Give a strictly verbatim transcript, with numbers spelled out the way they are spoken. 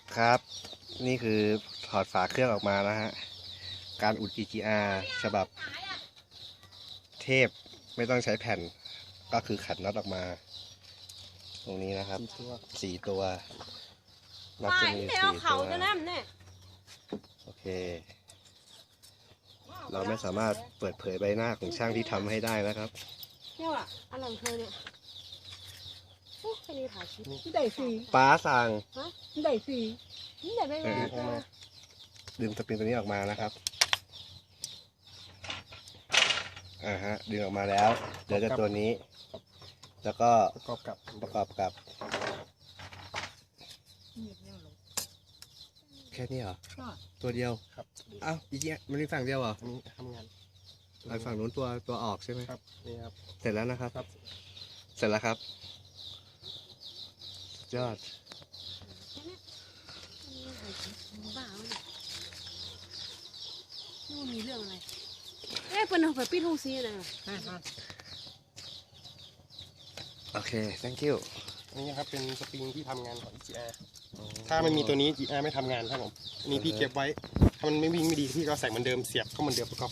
ครับนี่คือถอดฝาเครื่องออกมานะฮะการอุด อี จี อาร์ ฉบับเทพไม่ต้องใช้แผ่นก็คือขัดน็อตออกมา ตรงนี้นะครับสี่ตัวน็อตจะมีสี่ตัวโอเค เราไม่สามารถเปิดเผยใบหน้าของช่างที่ทำให้ได้นะครับเนี่ยว่ะอะไรของเธอเนี่ยโอ้แค่นี้ถ่ายคลิปนี่ได้ฟรีป้าสั่งนี่ได้ฟรีนี่ไหนไม่มาดึงสปริงตัวนี้ออกมานะครับอ่าฮะดึงออกมาแล้วเดี๋ยวจะตัวนี้ แล้วก็ประกอบกับประกอบกับแค่นี้เหรอตัวเดียวครับอ้าวอีกเนี่ยมันมีฝั่งเดียวเหรออันนี้ทำงานไอ้ฝั่งนู้นตัวตัวออกใช่ไหมครับนี่ครับเสร็จแล้วนะครับครับเสร็จแล้วครับสุดยอดบ้าวะเนี่ยนี่มันมีเรื่องอะไรเอ๊ะเป็นเอาไปปิดห้องซีนะโอเค thank you อันนี้ครับเป็นสปริงที่ทำงานของ อี จี อาร์ ถ้าไม่มีตัวนี้ อี จี อาร์ ไม่ทำงานครับผมอันนี้พี่เก็บไว้ถ้ามันไม่วิ่งไม่ดีพี่ก็ใส่เหมือนเดิมเสียบเข้าเหมือนเดิมประกอบ